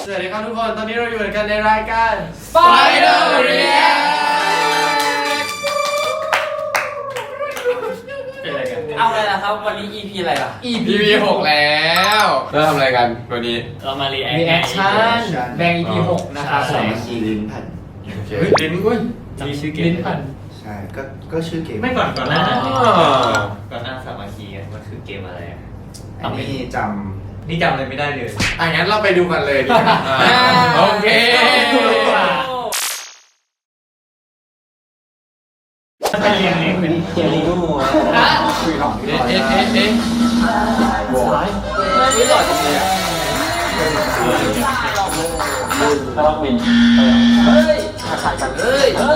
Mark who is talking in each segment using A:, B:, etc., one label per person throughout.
A: สวัสดีครับทุกคนตอนนี้เราอยู่กันในรายการ
B: Final React
A: เป็นอะไรกัน
B: เอาอะไรล่ะครับวันนี้ EP อะไรล่ะ
A: EP 6แล้วเราทำอะไรกันวันนี้
B: เรามา
C: รีแอคชั่นแบ่ง EP 6นะครับ
D: สามัคคีลิ้นพัน
A: โอเคลิ้นกุ้ย
B: มีชื่อเกม
C: ลิ้นพัน
D: ใช่ก็ชื่อเกม
B: ไม่ก่อนหน้า
A: อ๋อ
B: ก่อนหน้าสามัคคีมันคือเกมอะไรอ่ะ
D: อันนี้จ
B: นี่จำอะไรไม่ได้เลย
A: งั้นเราไปดูกันเลยดีกว่าโอเค
B: ไปเรียนเป็นเกมลีกูนะ
D: ำคุยหลอกที่
A: เอ๊ะ
D: ลอย
A: เอ๊ะเอ๊ะ
D: โว้ย
B: ไม่หล่อจังเลยอ่ะระวังบินเฮ้ยถ่ายกันเฮ้ยน้อง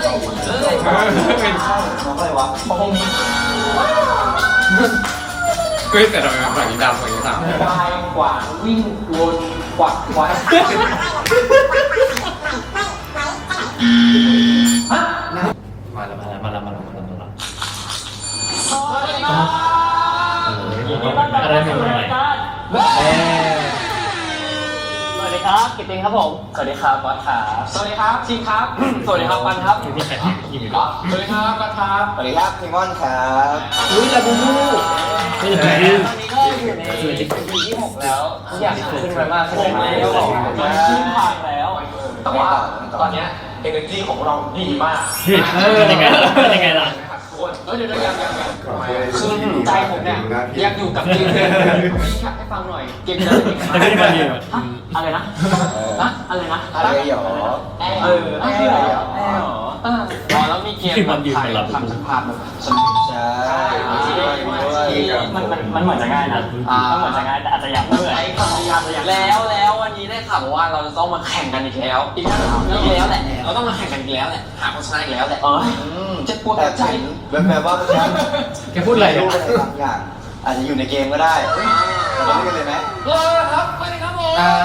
B: อะไรวะพวกนี้
A: เฮ้ยแต่ทำไมมันฝั่งนี้ดำฝั่งนี้ขาว
B: ควายกวางวิ่งวนกวักควายมาแล้วอะไรใหม่ๆสวัสดีครับกิตติงครับผมสวัสดีครับวัดขาสวัสดีครับชิงครับสวัสดีครับปันครับสวัสดีครับสวัสดีครับปันครับ
D: สวัสดีครับพิมอนครับ
B: อุ้ยลาบูบูตอนนี้ก็อยู่ในปีที่6แล้วทุกอย่างขึ้นไปมากขึ้นแล้วขึ้นผ่านแล้วแต่ว่าตอนนี้energy ของเราดีมากเป็นยังไงล่ะเดี๋ยวคือใจผมเนี่ยยังอยู่กับเกมพี่อยากให้ฟังหน่อยเกมนี้อะไรนะอะไรนะ
D: อะไรหรอ
B: คืออะไรแล้วมีเกมไทยทำสภาพ
D: ใช่
B: มันเหมือนจะง่ายนะมันเหมือนจะง่ายแต่อาจจะยังไม่เหมือนแล้ววันนี้ได้ข่าวว่าเราจะต้องมาแข่งกันอีกแล้วแหละเราต้องมาแข่งกันอีกแล้วแหละหาคนชนะอีกแล้วแหละจะปวดใจ
D: แบบว่าฉัน
C: แกพูดอะไร
D: รู้อะไรบางอย่างอาจจะอยู่ในเกมก็ได้เราเล่นกันเลยไหม
B: ครับไปเลยครับผม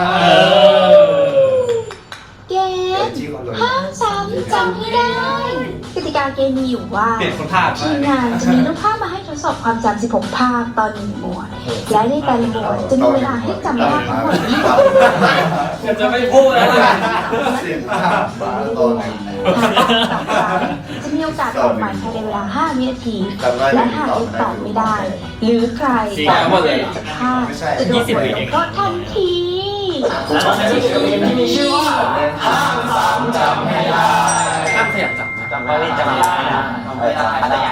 E: เกมห้ามซ้ำจำให้ได้กติกาเกมมีอยู่ว่าทีมงานจะมีรูปภาพมาให้ทดสอบความจำ16 ภาพตอน1หมวด และในแต่ละหมวดจะมีเวลาให้จำภาพทั้งหมด20
B: จะไม่พูดแล้ว
D: เสียงภาพบ้าตอนไหน
E: ต่อไปจะมีโอกาสตอบใหม่ภายในเวลา5 วินาที และหากยังตอบไม่ได้ หรือใครตอบไม่ได้ภาพจะโดนบทลงโทษทันที
B: ที่มีชื่อว่าห้ามซ้ำจำให้ได้
A: ห้ามขยับจับนะ
B: จำไม่ได้อะไรอย่าง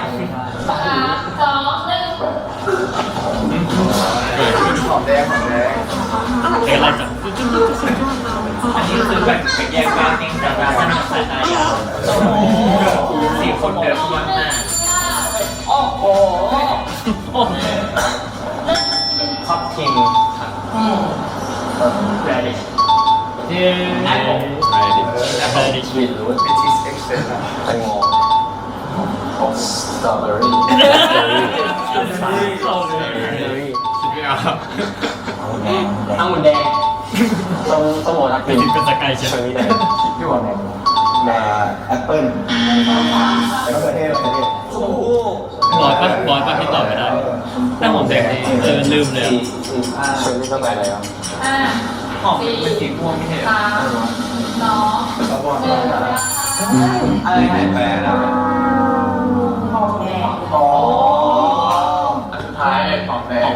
D: หอมแดง
B: อะไรจังอันนี้คือแบบแยกการเองจากการสนับสนุนยาว4 คนเดินเข้ามาหน้าโอ้โหท็อปทีมแรดิชแอปเปิลดิชวิดหรือว่า
D: เป็นชีสเอ็กซ์เซนต์
B: แตงโมสตรอเบอรี่
A: คิดไม่ออก
B: องุ่นแดงสมอนักบินเป็นสกายเชฟนี่แดงพี่บอกแดง
D: แอปเปิ้ลแล้วก็เทศ
B: โอ้โห
C: บอยปะที่ตอบไม่ได้แต่ผมแดงนี่ลืมเลย
B: เชอร์รี่ก็ไปแล้วหอมเป็นสีม่วงไม่ใช่อะไรแปลนะอ๋อสุดท้ายหอมแดง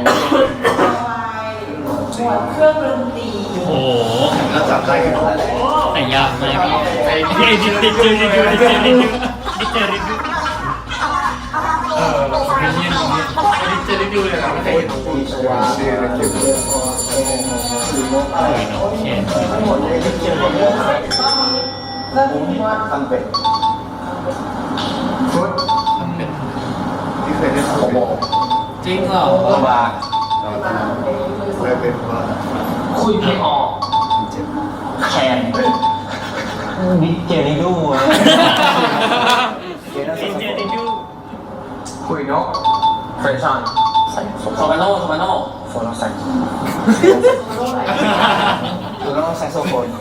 E: เครื่องดนตรี
C: โอ้โห
D: เราจำได้กันหมดแล้ว
C: แต่ยากมากไอ้ดิเจอริดูเลยนะไม่เคยเห็นน้องปูชวา
D: ชื่อเก็บ
C: โอเค
D: ทำเป็ดฟุตที่เคยได้ทำเป็ด
C: จริงเหรอ
B: ลำบาก
D: เราเคยเป็นว่า
B: คุยไม่ออก
D: เจ็บ
B: แคนนิเจริดู
D: คุยนก
B: เฟรชันโทมาโน่โฟนใส่
D: คือต้องแซกโซโฟน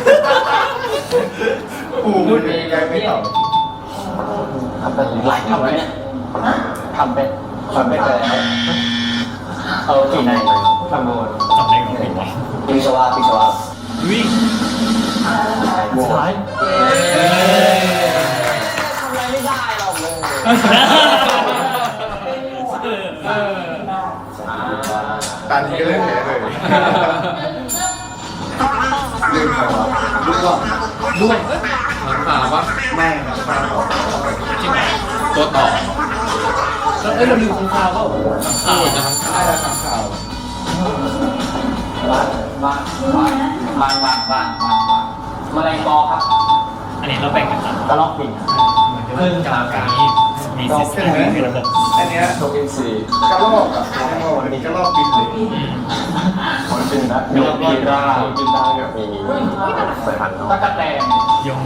D: ปูมันยังไงไม่ตอบ
B: ทำเป็นหลายทำเนี่ยทำเป็นไปแล้วกี่ในทำโดน
C: จำได้ของพี่วะ
D: ปีชวา
C: วิ่ง
A: ตาทีก็เลยแพ้เลย
D: ลืมใครวะลูกว่า
C: ด้วย
A: หลังขาปะ
D: ไม่ครับปลาหมอ
A: ตัวต่อ
C: แล้วเราลืมของข่าวก็
A: โอ้ยจะทั้งขา
D: ได้แล้วทำข่าว
B: วางแมลงปอครับ
C: อันนี้เราแบ่งกันครับ
B: กระรอกบิน
C: เพิ่งกลางการนี้มีซิสเต็มมีระบบ
D: อันเนี้ย
B: นกอินทรี
D: กระรอกอะวันนี้กระรอกบินเลย
B: มันเป็นนะนกพิราบกินได้แบบมีสายพันธุ์ตะกั่วแตน
C: ยง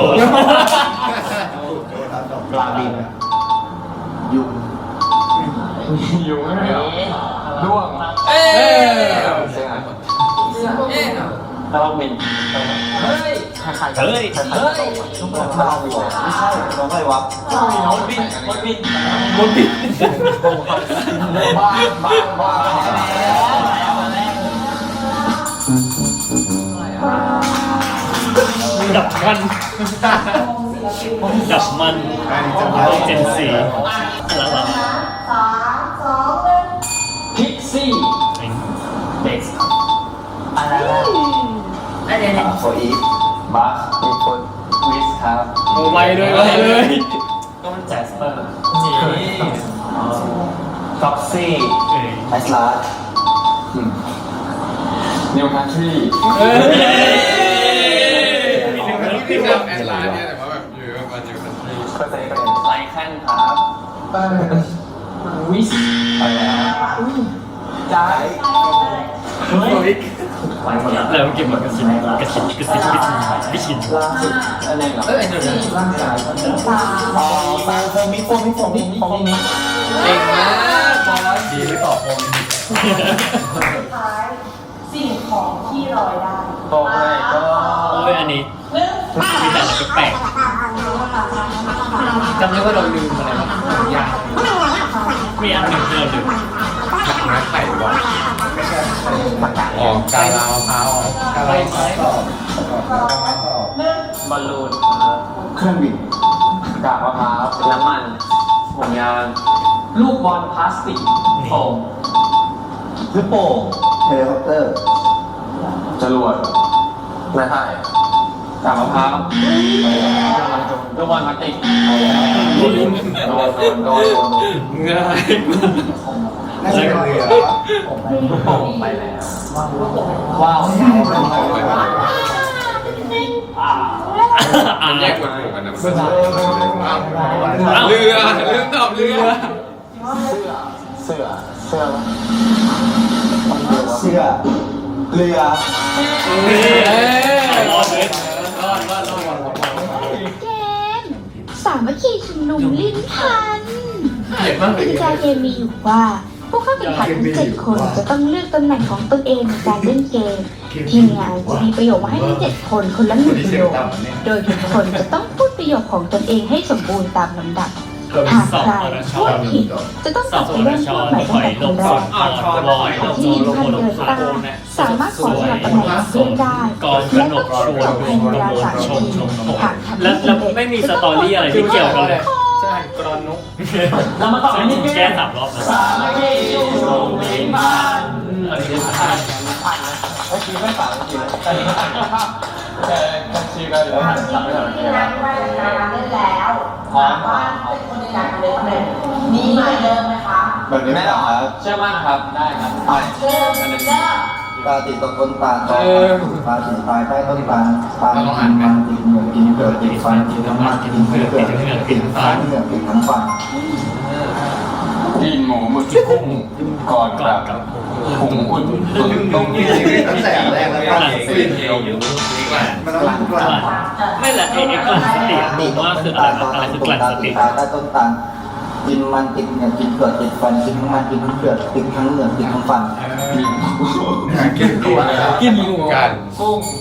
B: ปลาบิน
D: ยุง
B: อยู่ไม่เหรอด้วง
A: เอ้ย
B: เสื้อกระรอกบินเฮ้ยใคร
C: เฮ้ย
B: กระรอกบินไม่ใช่
D: น้องอะไรวะ
B: มดบินบ้า
C: ดับมันดับมัน
D: อันนี้จำได้
C: เจนซีแล้วเรา
B: พิกซี่เด็กอะไรนะ
D: โฟอีฟ
B: บัสมีคนวิสครับ
C: ไวเลย
B: ก็มันแจสเปอร์ท็อกซี่
D: ไอซ์ลาร์
B: นิวคันทรี
A: พี่นำแอนลาเนี่ยแต่ว่าแบบอยู่มาจากคันทรี
B: เปอร์เซ็นต์เป็นไลแคนครับวิสไปแล้วจ่ายเฮ้ยไปหมดแล้ว
C: แล้วเก็บมันกระชินวิชิน
B: ล่าสุดอะไรเหรอร่างกายฟังโฟมิ
A: เก่งมากบอสดีไม่ตอบผม
F: สิ่งของที่ลอยได้
B: โอ้ยก็
C: โอ้ยอันนี้มีแต่อะไรแปลกจำได้ว่าเราลืมอะไรบ้างอย่างมีอันหนึ่งที่เราลืม
A: ไม้ไผ่บอลออกกาลาวพร้าว
D: อะไรไม้ตอบไม้ตอบบ
B: อลลูน
D: เครื่องบิน
B: กากมะพร้าวน้ำมันห่วงยางลูกบอลพลาสติกโฟม
D: ลูกโป่งเฮลิคอปเตอร์
B: จรวดไม้ไผ่กากมะพร้าวลูกบอลพลาสติกโดน
A: ง่าย
D: น่าจะเป็นเรือวะ
B: ลูกโป่งไปแล้วว้าว
A: มันแยกหมวดหมู่กันนะเรือลืมตอบเรือ
B: เสื้อ
D: เรือเรือ
C: รอดเลย
E: เกมสามัคคีชุมนุมลิ้นพัน
A: เห็นมาก
E: ก
A: เลย
E: ติกาเกมมีอยู่ว่า ผู้เข้าแข่งขันทั้ง7 คนจะต้องเลือกตำแหน่งของตนเองในการเล่นเกม ทีมงานจะมีประโยคมาให้ทั้ง7 คนคนละ1 ประโยค โดยทุกคนจะต้องพูดประโยคของตนเองให้สมบูรณ์ตามลำดับ หากใครพูดผิดจะต้องกลับไปเริ่มพูดใหม่ตั้งแต่คนแรก
C: ลอยลง
E: ที่
C: ลง
E: ท่าน
C: ลง
E: เกิด
C: ขา
E: ตา
C: โกนเนี่ย
E: สามารถขอสลับตำแหน่งกับเพื่อนได้
C: กองก
E: และ
C: น
E: ต้อก ง
C: ช
E: พูด
C: วน
E: ต่อภายในเวลา3 นาทีหากทำ
C: แล้ว
E: ได้สำเร็จ
C: ไม่มีสตอรี่อะไรที่เกี่ยวกันเลย
A: ใช่กรอนนก
B: เรามาต่อที่
C: แก้3 รอบนะ
B: สามัคคีชุมนุมลิ้นพันอันนี้ผ่านนะเมื่อกี้ไม่ผ่านเมื่อกี้เลยตอนนี้ผ่านแต่ชื่อก็เดี๋ยวผ่านทำไม่ได้
F: ที่ร้านว่าการเล่นแล้วถามว่าเป็นคนในการเล่นเลยมีมาเริ่มไหมคะ
D: แบบนี้ไม่หรอครับ
B: เชื่อมั่นครับได้ครับ
F: เริ่ม
D: ปลาติดต้นตาลตอปลาติดตายใต้ต้นตาลปลากินมันกินเหงื่อกินเกลือกินฟันกินน้ำมันกินเกลือกินฟันเหงื่อกินน้ำฟัน
B: กินหมูหมึกที่กุ้งก่อนกับผงอุ่นต้มย
D: ตั้งแต่แรกแล้ว
C: กลั่นสติเดียว
D: มันต้องกลั่น
C: ไม่แหละไอ้กลั่นสติผมว่าคืออะไรนะอะไรคือกลั่นสติ
D: ตายใต้ต้นตาลกินมันกินเหงื่อกินเกลือกินฟันกินน้ำมันกินเกลือกินทั้งเหงื่อกินทั้งฟัน
A: กินตัวกินหมูกัน
B: กุ้ง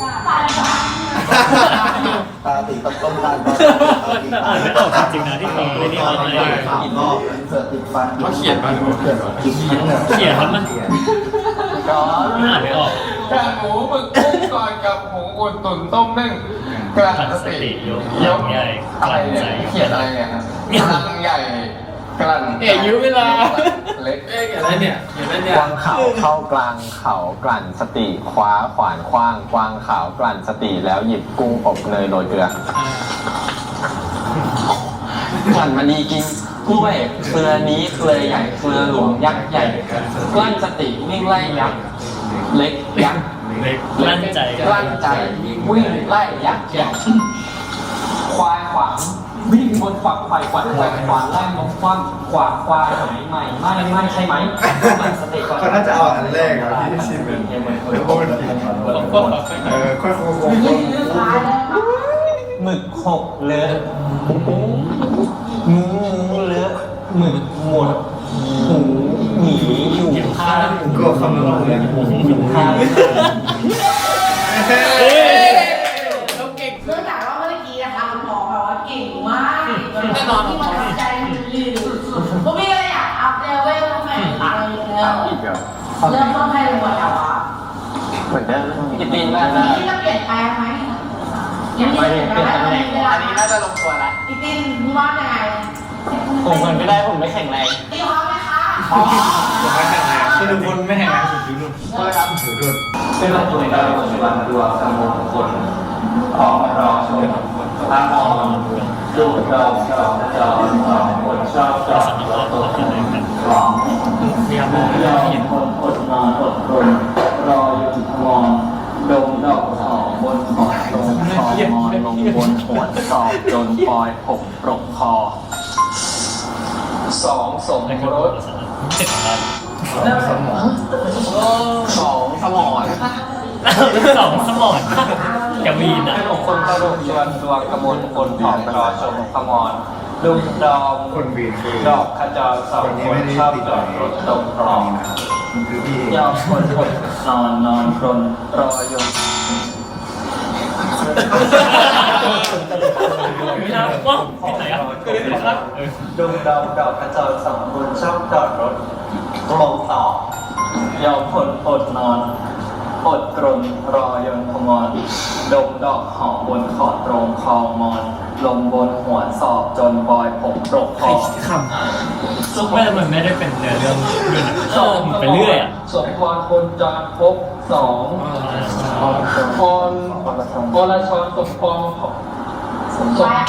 D: ปลาติดต้นตาล
C: อ่านไม่ออกจริงๆนะที่เขาไม่ได้เอาอะไร
D: กินเกลือติดฟันกินเกลือกินทั้งเหงื่อ
C: เขียนแล้วมัน
B: ก็
C: อ่านไม่ออก
B: ก
A: กากหมูหมึกกุ้งก่อนกับหมูอุ่นตุ๋นต้มนึ่งกระ
C: กลั่น
A: ส
C: ส
A: ติ
C: ติยก
A: ยก
C: ใหญ่ก
A: อะไร
C: ลั่น
A: เนี่
C: ใจ
A: ยเขียนอะไรเนี่ยฮะกลั่นใหญ่กลั่น
B: ยื้อเวลา
A: เล็ก
B: อะไรเนี่ย
A: กวางขาวเข้ากลางเขากลั่นสติคว้าขวานคว้างกวางขาวกลั่นสติแล้วหยิบกุ้งอบเนยโรยเกลือกลั่นมณีกินกล้วยเครือนี้เครือใหญ่เครือหลวงยักษ์ใหญ่กลั้นสติวิ่งไล่ยักษ์เล็กยักษ์
C: เล็กลั่นใจ
A: กลั้นใจวิ่งไล่ยักษ์ใหญ่ควายขวางวิ่งบนฝักไฟขวัญแหวกขวานไล่นกคว่ำขวางควายหายใหม่ไม่ใช่ไหมกลั่นสติก่อน
D: เขาน่าจะเอาอันแรกอะที่ชิมเป็นแล้วก็เป็นค่อย
A: หมึกหกเลอะงูเลอะหมึกหมดหูหนีอยู่ข้าง
D: ก็คำนวณเลย
A: อยู่ข้าง
F: เนื่องจากว่าเมื่อกี้นะคะคุณหมอแบบว่าเก่งมากแน่นอนที่มันทำใจมันดีสุดๆผมมีอะไรอยากอัพเลเวลใหม่อะไรอย่างเงี้ยเริ่มต้นให้หมดแล้วอ่ะ
A: เหมือนเดิมกินตีน
F: วั
A: มาน กนะ
F: นี้จะเปลี่ยนแปลงไหมยังไม่เปลี่ยนแปลงอันนี้น่าจะลงตัวแล้วพี่ตินพี่ว่าไง
A: ผมคนไม่ได้ผมไม่แข็งแรง
F: พี่พร้อมไหมคะอ๋อ
D: คือทุกคนไม่แห่งงานสุดยุรุ่นสุดรุ่น
B: เป็นตัวในการปฏิบัติตัวสมุนคนออกรอชมพระมองดูดอกจอคนชอบจอแล้วตัวหลอง
C: พยายามมองไม่ได้เห็น
B: คนอดนอนอดทนรออยู่มองดมดอกหอมบนหอดงคอมอนลงบนหัวสอบจนปลอยผมปรกคอสองสม
C: ในกระ
B: ร
C: โด
B: ส
C: ดเจ็บอะไร
B: สองสมอน
C: สองสมอนกระวีนอ่ะ
B: ขนมคนกระดูกชวนดวงกระมวลคนหอมรอชมขมอนลุงดอม
D: คนวีนคือ
B: ดอกขจรสองคนชอบจอดรถตรงคลอง
D: คือพี่
B: ยอมคนอดนอนกรนรอยม
C: ไม่น่าว้าวที่ไหนอ่ะคือได้ครับ
B: ลุงดอมดอกขจรสองคนชอบจอดรถลงต่อยอมคนอดนอนอดกรนรอยนขมอนดมดอกหอมบนขอดตรงคลองมอนลงบนหัวสอบจนบอยผมปรกคอ
C: ซุปไม่มันไม่ได้เป็นเนื้อเรื่องด้วยนะไปเรื่อยอ่ะ
B: สมพรคนจรพบสองพรอรชรสมพรสมพร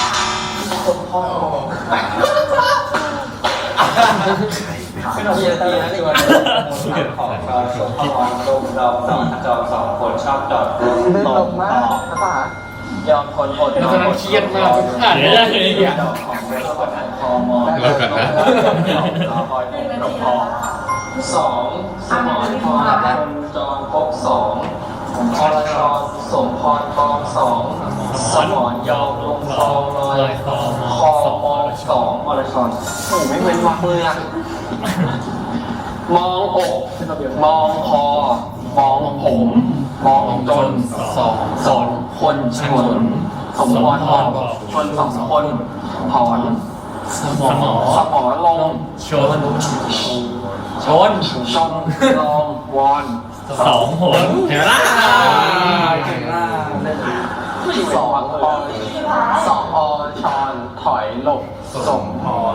B: เป็นเกียรตินะที่วันนี้ของจรสมพรลงดอกสองจรสองคนชอบจอดรถตรงต่อยอมคนอดนอนเครียดมาก
C: อ่านไม่ได้เลยเนี่ย
B: ดอกของเรสกดอันคอมอนคอยผมปรกคอสองสมรพรคนจรพบสองอรชรสมพรกองสองสมรยอมลงคลองลอยคอมอสองอรชรโอ้ไม่เว้นวรรคเลยอ่ะมองอกมองคอมองผมมองจนสองคนชนสมพรมองชนสองคนถอนสมอลง
C: ชน
B: ชนลองวอน
C: สองหนเห็นไหมล่ะ
B: สองอชอนถอยหลบสมพร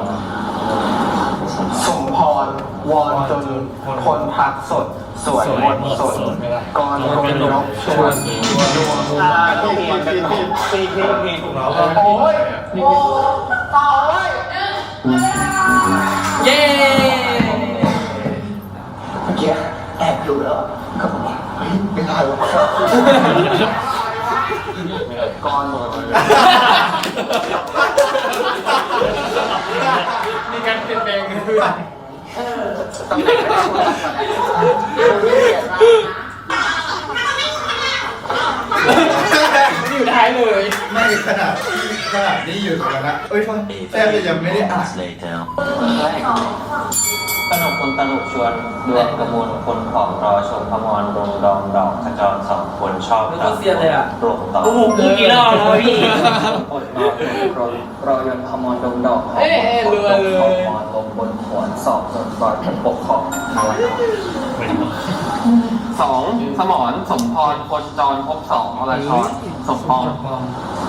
B: วอนจนคนพักสดสวยมนสดกรรนกชวนดวงผิดโอ้ยต่อเลยเย้เมื่อกี้แอบดูแล้วก็บอกว่าเฮ้ยไม่ได้หรอกก้อนมีการเปลี่ยนแปลงกันด้วยตำแหน่งไม่ได้ช่วยกันอยู่ท้ายเลย
D: ไม่ขนาดนี้อยู่ตรงนั้นนะเอ้ยแทบจะยังไม่ได้อ่าน
B: ขนมคนตลกชวนดวงกระมวลคนของรอชมพมรดงดองดอกขจรสองคนชอบไม่ต้องเสียเลยอ่ะปลงต่อ
C: โอ้โหกูกี่รอบแล้วพี่
B: อดนอนรอยนพมรดงดอกของรวยเลยพมรลงบนหัวสอบจนปล่อยผมปกครองอะไร 2 สมรสมพรคนจรภพ2อรชรสมพรปอง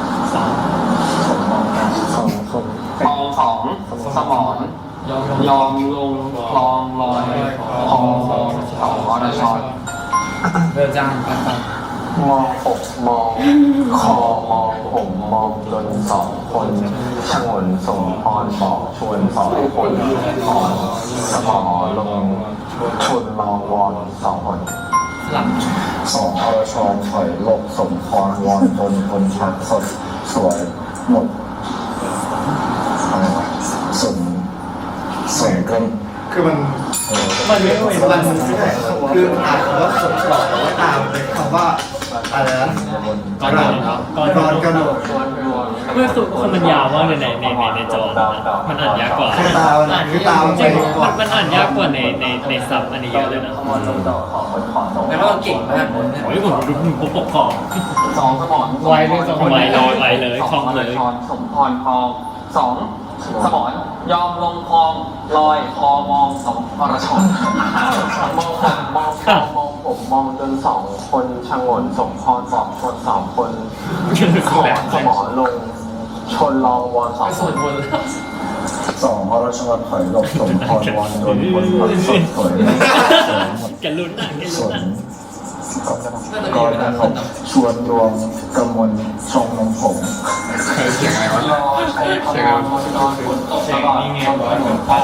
B: 2สมรยอมลงคลองลอยพอ2อรชร
C: เริ่มจ้างปัน
B: มองอกมองคอมองผมมองจน2 คนชงนสมพรบอกชวน2 คนพรสมอลงชนลองวอน2 คน
C: หลัง
D: 2 อรชรถอยหลบสมพรวอนจนคนชักสดสวยหมดอะไรวะสวยเกินคือมันไม่รู้มันคืออ่านคำว่าสมฉลองแต่ว่าตามเป็นคำว่าอะไรนะก่อนกระโดด
C: เมื่อคือมันยาวมากเลยในจอมันอ่านยากกว่า
D: คือตามัน
C: จริง
D: ไปก่อน
C: มันอ่านยากกว่าในซับอันนี้เยอะเลยนะ
B: แล้วก็เก่งมาก
C: โอ้ยผมดูผมปกครอง
B: 2 สมร
C: ไวเลยคล่องเลย
B: สมพรคลอง2 สมรยอมลงคลองลอยคอมอง2 อรชรมองผมมองคอมองผมมองจน2 คนชงนสมพรบอกชน2 คนขอสมรลงชนลองวอน2 คน
D: 2 อรชรถอยหลบสมพรวอนจนคนชักสดสวยหมด
C: แกลุ้นอ่ะแก
D: ส
C: ลุ้น
D: น
C: อ่ะ
D: กรกนกชวนรวมกมลชงนมผม
B: รอใช้คำนอนนอนฝนตกตลอดถนนฟ้า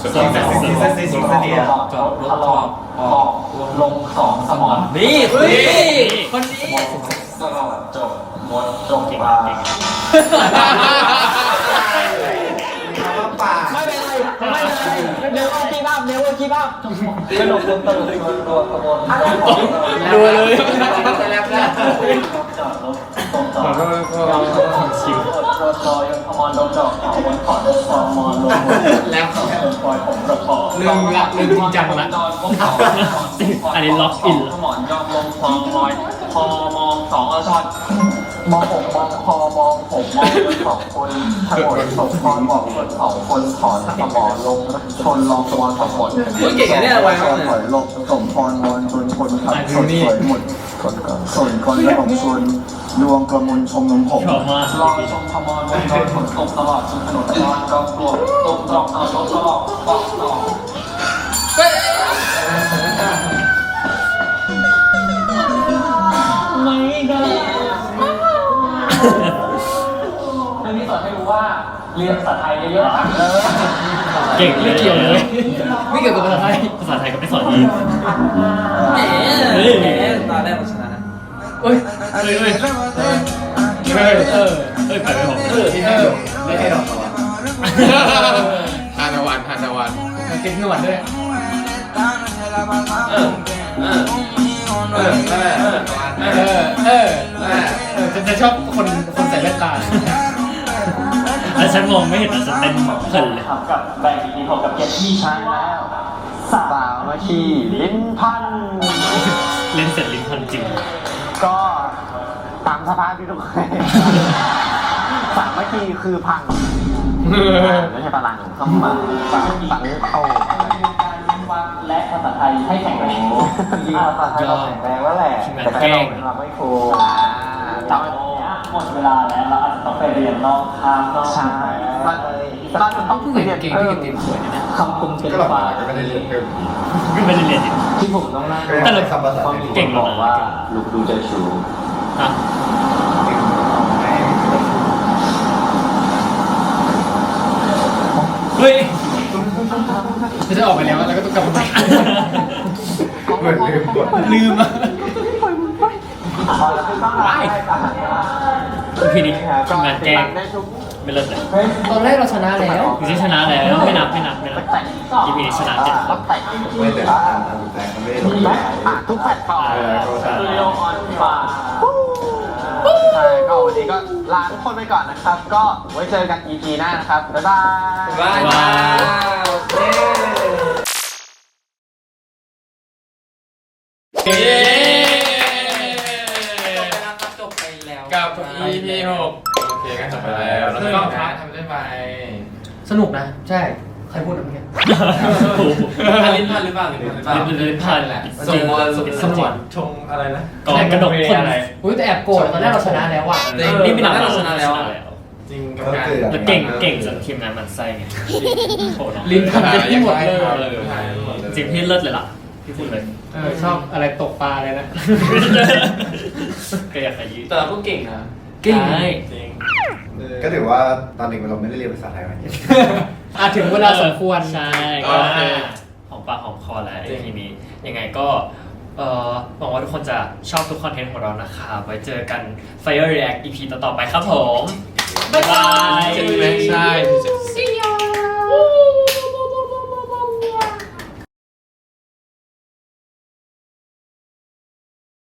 B: ทะลอกออกลง2 สมร
C: นี่คนนี้
B: ตลอดจบหมดจบ
C: เก่ง
B: ปลา
C: เก่ง
A: ไม่เป็นไรไม่เป็นไรเดี๋ยวคีบ้าเดี๋ยวคีบ้าขนมรวมตลอดรวมขบวน
C: ดูเลย
A: จอดรถตรงจอดเราชิวรถซอยขมอนลงจอดขบวนขอรถซอมอนลงแล้วขบวนปล่อยผมประคอง
C: ลืมจริงจังละอันนี้ล็อกอิน
B: สมรยอมลงคลองลอยพอมอง2 อรชรมองผมมองคอมองผมมองจน2 คนถนนสมพรบอกจน2 คนถอนสมรลงชนลองวอน2 คน
D: เก่งเนี่ยไวมากถอยหลบสมพรวอนจนคนขับสดสวยหมดส่วนคนระบบชวนดวงกระมลชมนมผม
C: ชอบมาก
B: ลอยชมขมรลงโดนฝนตกตลอดจนถนนลอนกองกลวงตกตรอกเอารถตลอดปอกต่อ
C: ไม่ได้
A: เรื่องนี้สอนให้รู้ว่าเรียนภาษาไทยเยอะๆ
C: เก่งเลยไม่เกี่ยวกับภาษาไทยภาษาไทยก็ไม่สอนอีก
B: แหมตอนแรกเราชนะ
C: เฮ้ยไปไปผม
B: ไม่ให้ดอก
G: ทานตะวัน
C: เก่งหนวดด้วยจะชอบคนใส่แว่นตาแล้วฉันมองไม่เห็นแต่ฉันเต้นเพลินเลย
A: ครับกับแบงค์ทีผมกับเกียรติใช่แล้วสาวมาขี่ลิ้นพัน
C: เล่นเสร็จลิ้นพันจริง
A: ก็ตามสภาพที่ทุกคนสามเมื่อกี้คือพังไม่ใช่พลังเข้ามาสังเข้าและภาษาไทยให้แข็งแรงภาษาไทยเราแข็งแรงแล้วแหละแต่แค่เราไม่ครูตอนนี้หมดเวลาแล้วเราอาจจะต้องไปเรียนนอกทางนอกใช่เราจะต้องเรียนเพิ่มคำกลมเป็นฟ้า
G: ไม่ได้เรียนเพิ่ม
C: ก็ไม่ได้เรียนอีก
A: ที่ผมต้องนั่ง
C: แต่เรา
D: คำภาษา
C: เก่ง
A: บอกว่าลูกดูเจ้าชู
C: ฮะเฮ้ยจะออกไปแล้วแล้วก็ต้องกลับมา
G: เหมือนลืมกด
C: ลืมอ่ะพี่นี่ทำงานแกล้งไม่เลิศเลย
B: ตอนแรกเราชนะแล้ว
C: พี่ที่ชนะแล้วไม่นับพี่พีนี่ชนะ7
G: ไม่แต่แต่เขาไม่ได้ลงไป
A: ทุกแพลตฟอร์ม
G: เขาใช่
A: สตูดิโอออนฟาใช่ก็วันนี้ก็ลาทุกคนไปก่อนนะครับ ก็ไว้เจอกัน EP หน้านะครับ บ๊ายบาย
B: ว้าวเย้ จบไปแล้ว
G: กับ EP 6โอเคก็จบไปแล้วแล้วก็ทำได้ไหม
B: สนุกนะ ใช่ใครพูดนะเมื่อกี้
C: ลิ้นพันหรือเปล่าลิ้นพันแหละสมวน
B: ชงอะไรนะ
C: ก่อนกระดกคนอะไร
B: อุ้ยแต่แอบโกรธตอนแรกเราชนะแล้วอ่ะ
C: นี่เป็นหนังเราชนะแล้ว
B: จริง
G: ก็คือ
C: แล้วเก่งจนทีมงานมันไส้ไงโหน้อง
B: ลิ้นพันกันที่หมดเลย
C: จริงพี่เลิศเลยล่ะพี่พูดเลย
B: ชอบอะไรตกปลาเลยนะ
C: ก็อยากขยี้
B: แต่เราก็เก่งนะ
C: เก่งจริง
G: ก็ถือว่าตอนเด็กเราไม่ได้เรียนภาษาไทยมาเยอะ
B: ถึงเวลาสมควร
C: ใช่ก็หอมปากหอมคอแล้วทีนี้ยังไงก็หวังว่าทุกคนจะชอบทุกคอนเทนต์ของเรานะครับไว้เจอกัน Fire React EP ต่อๆไปครับผมบ๊ายบาย
B: ใช่